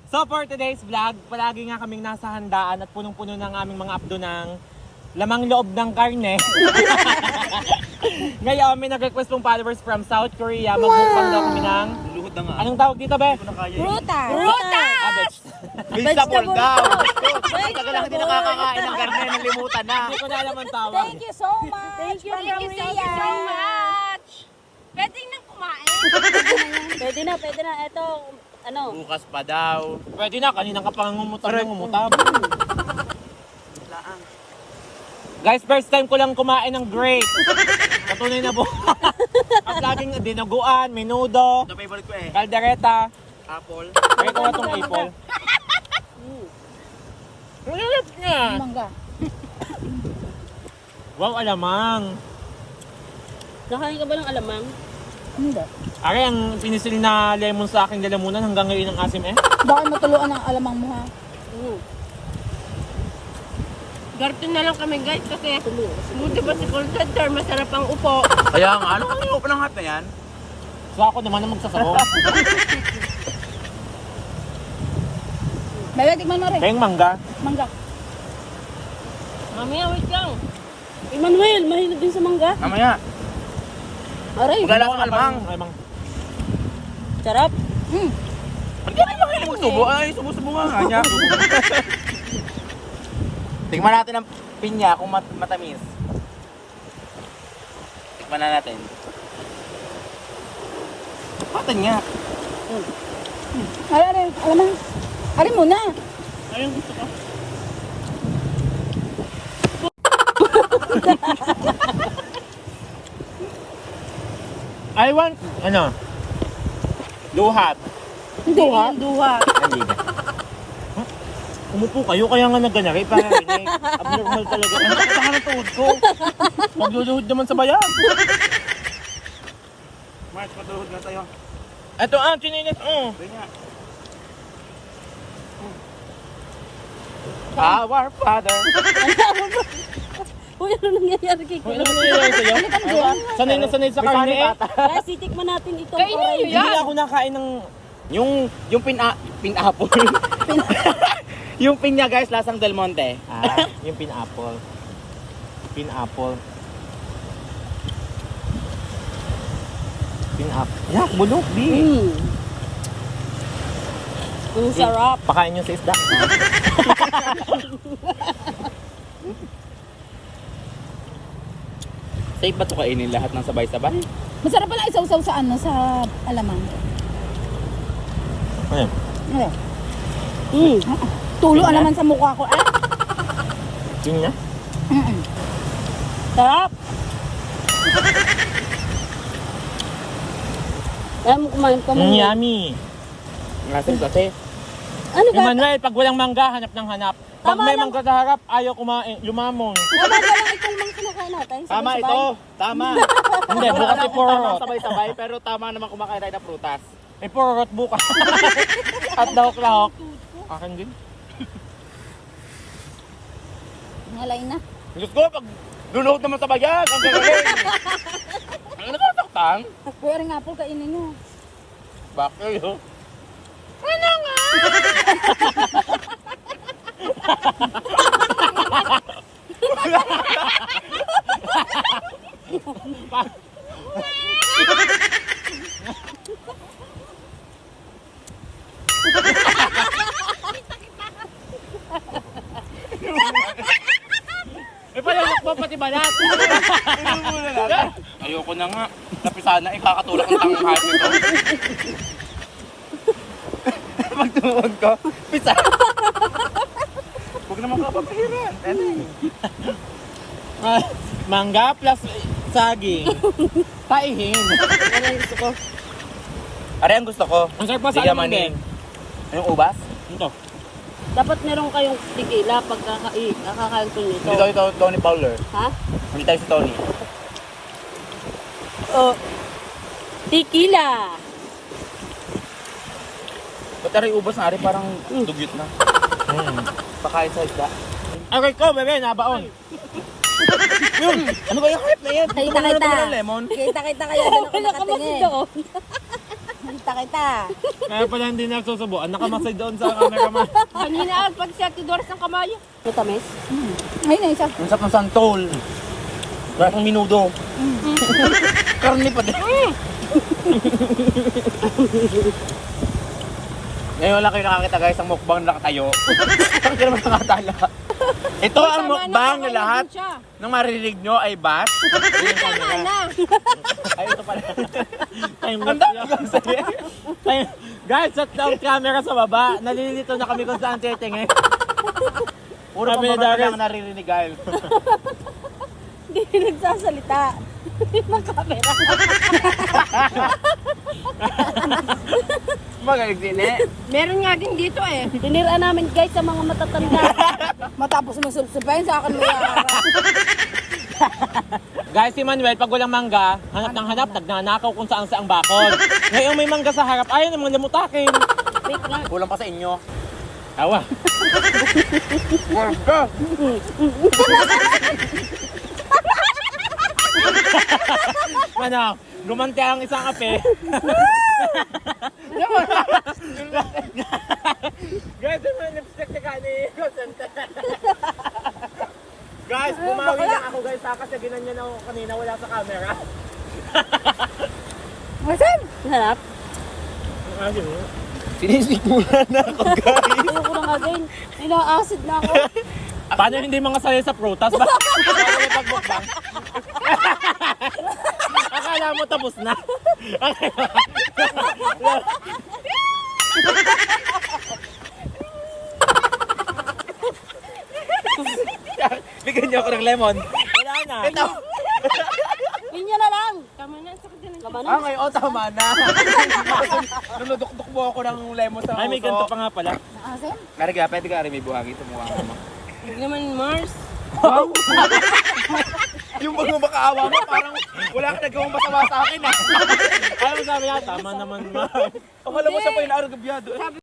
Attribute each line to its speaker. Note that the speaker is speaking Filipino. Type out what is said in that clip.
Speaker 1: So for today's vlog, palagi nga kaming nasa handaan at punong-puno ng aming mga abdo ng lamang loob ng karne. Ngayon, may nag-request pong followers from South Korea. Magmukbang daw kami ng...
Speaker 2: Luhod na nga.
Speaker 1: Anong tawag dito, be?
Speaker 3: Fruta!
Speaker 2: Vegetable daw. Tagal lang hindi nakakakain ng karne, nalimutan na.
Speaker 1: Hindi ko na alam ang tawag.
Speaker 3: Thank you so much!
Speaker 4: Thank you so much! Pwede nang kumain.
Speaker 3: Pwede na. Ito, ano?
Speaker 2: Bukas pa daw.
Speaker 1: Pwede na, kaninang ka pang ngumutab ng ngumutab. Guys, first time ko lang kumain ng grape. Patunay na po. At laging dinaguan, menudo,
Speaker 2: Ito favorite ko eh.
Speaker 1: kaldereta.
Speaker 2: Apple.
Speaker 1: Ito na itong apple. Ang lalap niya.
Speaker 3: Mangga.
Speaker 1: Wow, alamang.
Speaker 3: Nakain ka ba ng alamang? Hindi.
Speaker 1: Ari, ang pinisil na lemon sa aking lalamunan hanggang ngayon ang asim eh.
Speaker 3: Baka matuluan ang alamang mo ha.
Speaker 4: Garto na lang kami guys kasi buti ba si call center, masarap ang upo.
Speaker 2: Kaya nga, ano kang iupo ng hat na yan?
Speaker 1: So ako naman ang magsasabaw.
Speaker 3: Bebe, tikman mo rin.
Speaker 1: Kayong mangga.
Speaker 3: Mangga.
Speaker 4: Mamaya, wait lang.
Speaker 3: Emmanuel, mahilig din sa mangga.
Speaker 2: Mamaya.
Speaker 3: Aray,
Speaker 2: Wala lang alamang.
Speaker 1: Alamang.
Speaker 3: sarap.
Speaker 2: Ba't ka naman kayo magsubo? Ay, subo-subo nga niya. Tingnan natin ang pinya kung matamis. Tikman na natin. Patan nga.
Speaker 3: Aray, alamang. Aray muna.
Speaker 1: Ayun gusto ko. I want, ano, luhat.
Speaker 3: Hindi ha?
Speaker 4: Duha.
Speaker 1: Hindi na. Huh? Umupo kayo, kaya nga nagganari para rinig. Abnormal talaga. Ang sakit ng tuhod ko. Magluluhod naman sa bayan.
Speaker 2: Mark, patuhod na tayo.
Speaker 1: Ito chininit.
Speaker 2: Pinya. Our Father.
Speaker 3: Uy, ano nangyayari kay
Speaker 1: Ano nangyayari sa'yo? Sanay na sanay sa karne eh.
Speaker 3: Kaya sitikman natin itong
Speaker 4: Kainin
Speaker 3: oray.
Speaker 4: niyo yan.
Speaker 1: Hindi ako nakain ng...
Speaker 2: Yung pin-apple. Yung pinya guys, lasang Del Monte.
Speaker 1: Yung pin-apple. Pin-apple. Pin-apple. Yak, bulok, di.
Speaker 3: Ang sarap.
Speaker 1: Pakain yung sa isda.
Speaker 2: Safe ba ito kainin lahat ng sabay-sabay?
Speaker 3: Masarap pala isaw-saw sa ano, sa alamang.
Speaker 1: Ayun.
Speaker 3: Ayun. Tulo naman sa mukha ko. Ah?
Speaker 1: Yun niya.
Speaker 3: Sarap. Kaya mo kumain pa mo.
Speaker 1: Yummy.
Speaker 2: Ngasin kasi.
Speaker 3: Ano ba?
Speaker 1: Emmanuel, pag walang mangga, hanap ng hanap. Pag
Speaker 3: Tama
Speaker 1: may
Speaker 3: lang.
Speaker 1: mangga sa harap, ayaw kumain, lumamon.
Speaker 3: Tama ba lang itong mga kinakain natin?
Speaker 2: Tama
Speaker 3: Sabay-sabay?
Speaker 2: ito. Tama.
Speaker 1: Hindi, bukas
Speaker 2: Wala
Speaker 1: si
Speaker 2: akong
Speaker 1: Purot.
Speaker 2: tamang sabay-sabay, pero tama naman kumakain tayo ng prutas.
Speaker 1: Eh, Purot bukas. At dahok-lahok. Akin din.
Speaker 3: Ngalay na.
Speaker 2: Diyos ko, pag luluhod naman sa bayan, ang gagaling. Ano nakataktan?
Speaker 3: Kuya ring apple, kainin nyo.
Speaker 2: Bakit yun?
Speaker 1: Eh, palalak mo pati balat.
Speaker 2: Ayoko na nga. Napisa na, ikakatulak ng tanghal nito. Pagtumuod ko, pisa. Huwag naman kapapahiran.
Speaker 1: Mangga plus saging. Taihin.
Speaker 3: Ano yung gusto ko?
Speaker 2: Are, ang gusto ko.
Speaker 1: Ang sarap pa sa
Speaker 2: Di
Speaker 1: alamang
Speaker 2: yamanin.
Speaker 1: din.
Speaker 2: Yung ubas?
Speaker 1: Ito.
Speaker 3: Dapat meron kayong tequila pag kakakain ko nito.
Speaker 2: Hindi tayo Tony Fowler.
Speaker 3: Ha?
Speaker 2: Hindi tayo si Tony.
Speaker 3: Oh. Tequila.
Speaker 2: Ba't are ubas na, are parang dugyot na. Pakain sa isda.
Speaker 1: Aray ko, bebe, nabaon.
Speaker 2: Yun! Ano kaya hype na yan?
Speaker 3: Kita,
Speaker 2: Ano
Speaker 3: kita.
Speaker 2: naman ng lemon?
Speaker 3: Kita kayo doon ako nakatingin.
Speaker 5: kita.
Speaker 1: Kaya pala hindi nagsusubuan. Nakamasay doon sa cameraman.
Speaker 4: Kanina at pag si Ate Doris ng kamayo.
Speaker 3: Matamis?
Speaker 5: Ayun na isa.
Speaker 2: Ang sarap ng santol. Wala kang minudo. Karni pa din. Ngayon wala kayo nakakita guys ang mukbang na nakatayo. Ang kira naman nakatala. Ito ang mukbang na lahat ng maririnig nyo ay bas.
Speaker 4: Tama na.
Speaker 2: Ay, ito pala.
Speaker 1: Time
Speaker 2: Ang
Speaker 1: lapse
Speaker 2: dami
Speaker 1: lang.
Speaker 2: kang sabi.
Speaker 1: Guys, shut down camera sa baba. Nalilito na kami kung saan titingin.
Speaker 2: Puro
Speaker 1: Sabi ni
Speaker 2: pambaba
Speaker 1: Darius.
Speaker 2: lang naririnig guys.
Speaker 5: Hindi nagsasalita. Ng camera.
Speaker 2: Magaling din eh.
Speaker 4: Meron nga din dito eh.
Speaker 3: Tiniraan namin guys sa mga matatanda.
Speaker 5: Matapos masulsubayin sa akin mo yan.
Speaker 1: Guys, si Manuel, pag walang mangga, hanap ng hanap, nagnanakaw kung saan sa ang bakod. Ngayon may mangga sa harap, ayaw namang lamutakin.
Speaker 3: Wait nga.
Speaker 2: Kulang pa sa inyo.
Speaker 1: Awa.
Speaker 2: Mangga!
Speaker 1: Ano, gumanti ang isang kape. Guys, may lipstick na kani. Guys, bumawi lang ako guys ha, kasi ginanyan ako kanina, wala sa camera.
Speaker 5: Masan?
Speaker 3: Harap.
Speaker 2: Sinisikulan na ako guys.
Speaker 3: Ayoko na nga din. Ina-acid na ako.
Speaker 1: Paano hindi mga sali sa prutas? Paano yung pagbukbang? Akala mo tapos na.
Speaker 2: Bigyan niyo ako ng lemon.
Speaker 1: Wala na.
Speaker 2: Ito.
Speaker 3: Pinya na lang.
Speaker 4: Tama na. Sakit na ng
Speaker 3: Tama na.
Speaker 2: Ah, ngayon, tama na. Nunudok-dok mo ako ng lemon sa
Speaker 1: Ay, may ganito pa nga pala.
Speaker 5: Asin?
Speaker 2: Kariga, pwede ka rin may buhangin. Tumuha ka mo.
Speaker 4: Huwag naman Mars.
Speaker 2: Yung pag makaawa mo, parang wala ka nagawang masama sa akin ah.
Speaker 1: Ano sabi niya? Tama naman ma.
Speaker 2: Akala mo siya pa yung naaragabyado eh.